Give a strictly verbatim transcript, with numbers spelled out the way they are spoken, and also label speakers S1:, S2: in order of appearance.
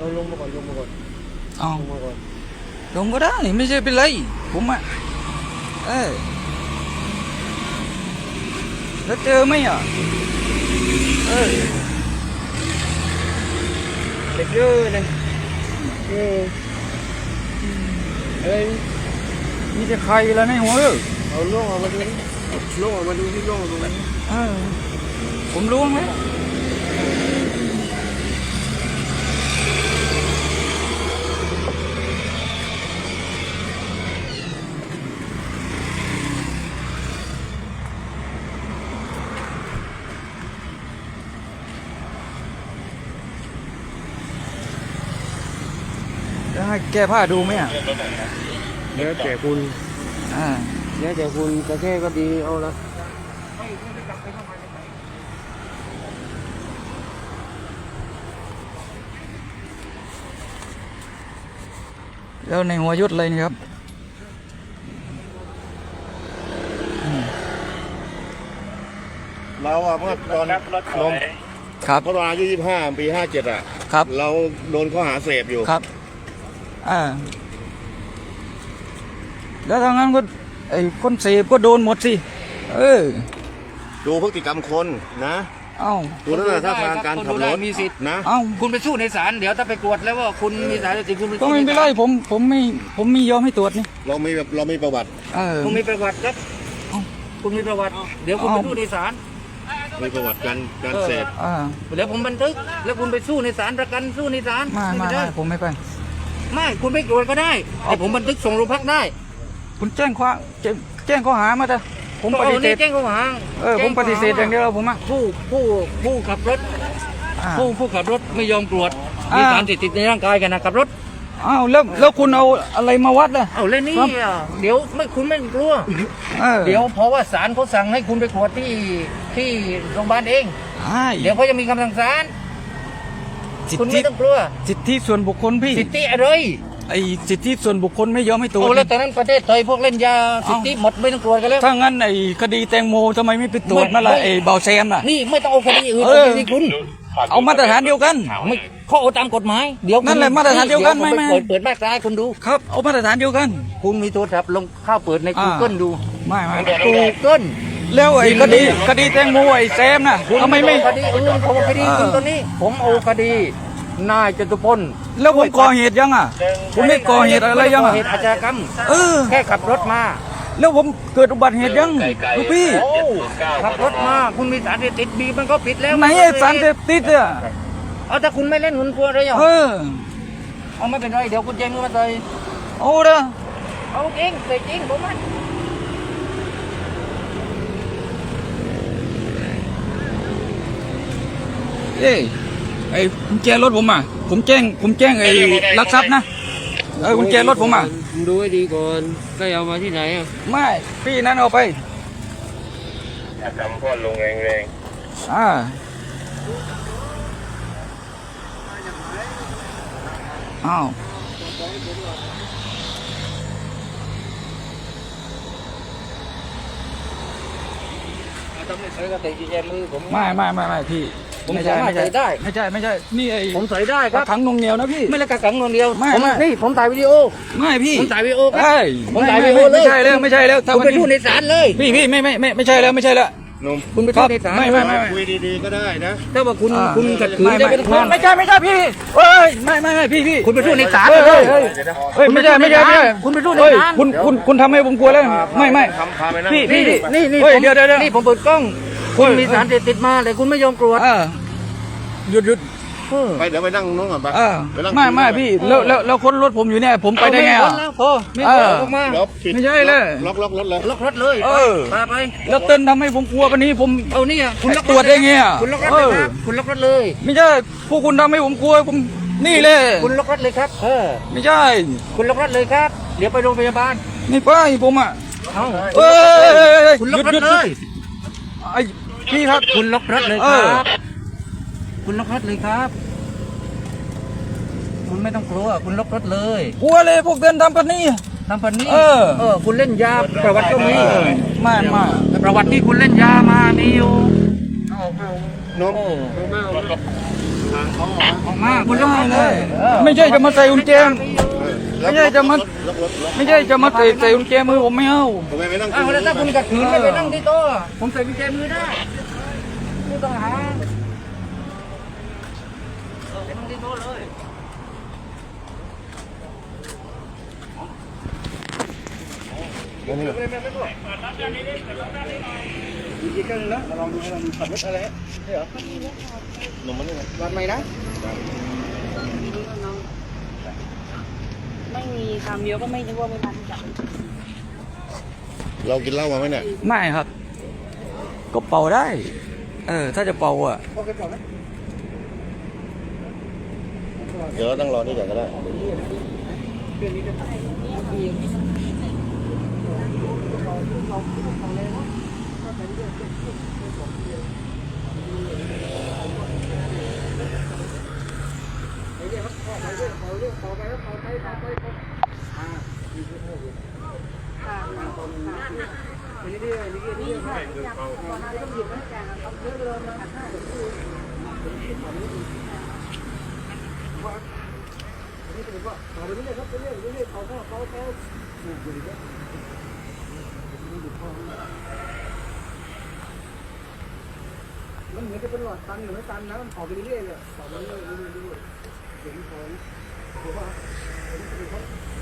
S1: เราลงมาก่อนลงมาก่อน
S2: เอา
S1: ลงมาก่อน
S2: ลงก็ได้ไม่ใช่เป็นไรผมอ่ะเออแล้วเจอไหมอ่ะเออ
S1: เด็กเยอะเลยเออเอ้ย
S2: มีแต่ใครแล้วในหัวเออ
S1: เอาล่วงออกมาดูล่วงออกมาดูที่ล่วงออกมาดู
S2: เออผมล้วงไหมแล้วให้แก้ผ้าดูไหมอ่ะ
S1: เดี๋ยวแจกคุณ
S2: อ่า
S1: เดี๋ยวแจกคุณกระแค่ก็ดีเอาละ
S2: แล้วในหัวยุดเลยนี่ครับ
S3: เราอะเมื่อตอนนม
S2: ครับ
S3: เมื่อตอนอายุยี่สิบห้าปีห้าเจ็ดอะ
S2: ครับ
S3: เราโดนข้อหาเสพอยู่
S2: ครับอ่าแล้วทางนั้นก็ไอ้คนเสพก็โดนหมดสิเออ
S3: ดูพฤติกรรมคนนะ
S2: เอ้า
S3: ดูลักษณะท่าทางการขับรถ
S1: มีสิทธิ์
S3: นะ
S2: เอ้า
S1: คุณไปสู้ในศาลเดี๋ยวถ้าไปตรวจแล้วว่าคุณมีสารเสพติดคุณ
S2: ก็ไม่เป็นไรผมผมไม่ผมไม่ยอมให้ตรวจนี่
S3: เรามีแบบเรามีประวัติ
S2: เออ
S1: คุณมีประวัติครับคุณมีประวัติเดี๋ยวคุณไปสู้ในศาล
S3: มีประวัติการการเสพ
S2: อ่า
S1: เดี๋ยวผมบันทึกแล้วคุณไปสู้ในศาลประกันสู้ในศาล
S2: ไม่ไม่ไม่ผมไม่ไป
S1: ไม่คุณไม่ตรวจก็ได้แต่ผมบันทึกส่งโรงพักได้
S2: คุณแจ้งข้อแจ้งข้อหามาเถอะผมปฏิเสธ
S1: แจ้งข้อหา
S2: เออผมปฏิเสธอย่างเดียวผมอ่ะ
S1: ผู้ผู้ผู้ขับรถผู้ผู้ขับรถไม่ยอมตรวจมีสารเสพติดในร่างกายกันนะขับรถ
S2: อ้าวแล้วแล้วคุณเอาอะไรมาวัดล่ะ
S1: เอาเล่นนี่เดี๋ยวไม่คุณไม่กลัวเดี๋ยวเพราะว่าศาลเขาสั่งให้คุณไปตรวจที่ที่โรงพยาบาลเองเดี๋ยวเขาจะมีคำสั่งศาลคุณไม่ต้องกลัว
S2: สิทธิส่วนบุคคลพี่
S1: สิทธิอะไร
S2: ไอ้สิทธิส่วนบุคคลไม่ยอมให้ตรวจ
S1: โอ้แล้วตอนนั้นประเทศไทยพวกเล่นยาสิทธิหมดไม่ต้องตรวจกันแล้ว
S2: ถ้างั้นไอ้คดีแตงโมทำไมไม่ไปตรวจมาล่ะไอ้เบาแซมน่ะ
S1: นี่ไม่ต้องเอาคดีอื่นเอาคดีคุณ
S2: เอามาตรฐานเดียวกัน
S1: ไม่เขาเอาตามกฎหมายเดี๋ยว
S2: นั่นแหละมาตรฐานเดียวกันไม่ไม่
S1: เปิดเปิดมาตราคุณดู
S2: ครับเอามาตรฐานเดียวกัน
S1: คุณมีโทรศัพท์ลงเข้าเปิดใน Google ดู
S2: ไม่ไม่
S1: Google
S2: แล้วไอ้คดีคดีแตงโมไอ้แซมน่ะทำไมไม่
S1: คดีอื่นผมคดีคุณตัวนี้ผมเอาคดีนายจตุพล
S2: แล้วผมก่อเหตุยังอ่ะผมไม่ก่อเหตุอะไรยังอ่ะ
S1: เหตุอาชญากรรม
S2: เออ
S1: แค่ขับรถมา
S2: แล้วผมเกิดอุบัติเหตุยังลูกพี่
S1: ขับรถมาคุณมีสารเสพติดบีมันก็ปิดแล้ว
S2: ไหนไอ้สารเสพติดอ่ะ
S1: เอาถ้าคุณไม่เล่นหุ่นกลัวอะไรอ่ะ
S2: เออ
S1: เอาไม่เป็นไรเดี๋ยวคุณแจ้งมือมาเลย
S2: เอาเด้อ
S1: เอาจริงใส่จริงผมมัน
S2: เอ้ยไอ้กุญแจรถผมอ่ะผมแจ้งผมแจ้งไอ้ลักทรัพย์นะเออกุญแจรถผมอ่ะ
S1: ดูให้ดีก่อนใครเอามาที่ไหนอ่ะ
S2: ไม่พี่นั่นเอาไป
S3: ทำพ่อลงแรง
S2: ๆอ่าอ้าวไม่ไม่ไม่ไม่พี่
S1: ผมสามารถใส่ได้
S2: ไม่ใช่ไม่ใช่นี่ไอ้
S1: ผมใส่ได้ครับ
S2: ขังนงเหนียวนะพี่
S1: ไม่ใช่กักขังนงเหนียว
S2: ไม่ไม่
S1: นี่ผมถ่ายวิดีโอ
S2: ไม่พี่
S1: ผมถ่ายวิดีโอครับ
S2: ผมถ่ายวิดีโอเลยไม่ใช่แล้วไม่ใช่แล้ว
S1: คุณไปพูดในศาลเลย
S2: พี่พี่ไม่ไม่ไม่ไม่ใช่แล้วไม่ใช่แล้ว
S1: คุณไปพูดในศาล
S2: ไม่ไม่ไม่
S3: คุยดีๆก็ได้นะ
S1: ถ้าว่าคุณคุณขัดขืน
S2: ไม่ไม่ใช่ไม่ใช่พี่เฮ้ยไม่ไม่ไม่พี่พี่
S1: คุณไปพูดในศาล
S2: เลยเฮ้ยไม่ใช่ไม่ใช่ไม่ใช่
S1: คุณไปพูดในศาล
S2: คุณคุณคุณทำให้ผมกลัวแล้วไม่ไม่พี่พี่
S1: นี่นี่
S2: เดี๋ยวเดี๋ยว
S1: นี่ผมเปิดกล้องคุณมีสารเสพติดมาแต่คุณไม่ยอมตรวจ
S2: หยุดหยุด
S3: ไปเดี๋ยวไปนั่งนู้นก่อนไป
S2: ไม่ไม่พี่แล้วแล้วแล้วคนรถผมอยู่เนี่ยผมไปได้ไงอ่ะ
S1: พอไม่เอาออกมา
S2: ไม่ใช่เลย
S3: ล็อกล็อกรถเลย
S1: ล็อกรถเลย
S2: เออ
S1: พาไป
S2: แล้วเต้นทำให้ผมกลัววันนี้ผม
S1: เอานี่อ่ะ
S2: คุณตรวจได้ไงอ่ะ
S1: คุณล็อกรถเลยครับคุณล็อกรถเลย
S2: ไม่ใช่พวกคุณทำให้ผมกลัวผมนี่เลย
S1: คุณล็อกรถเลยครับเออ
S2: ไม่ใช่
S1: คุณล็อกรถเลยครับเดี๋ยวไปโรงพยาบาล
S2: นี่ไปผมอ่ะ
S1: เอา
S2: เอ้ย
S1: คุณล็อกรถเลย
S2: ไอ้พี่ครับ
S1: คุณล็อกรถเลยครับคุณล็อกรถเลยครับคุณไม่ต้องกลัวคุณล็อกรถเลย
S2: กลัวเลยพวกเดินทำกันนี่
S1: ทำกันนี่
S2: เออ
S1: เออคุณเล่นยาประวัติก็มี
S2: มามา
S1: ประวัติที่คุณเล่นยามามีอยู่
S3: นม
S2: ออกมาคุณได้เลย ไม่ใช่จะมาใส่กุญแจไม่ใช่จะมาไม่ใช่จะมาใส่ใส่กุญแจมือผมไม่เอา
S1: อ้าวแล้วถ้าคุณขัดขืนไม่ไปนั่งที่โต๊ะผมใส่กุญแจมือได้ผู้ต้องหาไปนั่งที่โต๊ะเลย
S4: ไม่มีคำเดียวก็ไม่นึกว่าไม่ทันจับ
S5: เรากินเหล้ามาไหมเนี่ย
S2: ไม่ครับ ก็เป่าได้ เออ ถ้าจะเป่าอ่ะ
S5: เดี๋ยวเราต้องรอนี่ก่อนก็ได้
S1: มันเหมือนจะเป็นหลอดตันหรือไม่ตันนะมันออกไปเรื่อยๆเลยออกไปเรื่อยๆเรื่อยๆเรื่อยๆเดี๋ยวมันพอเดี๋ยวว่า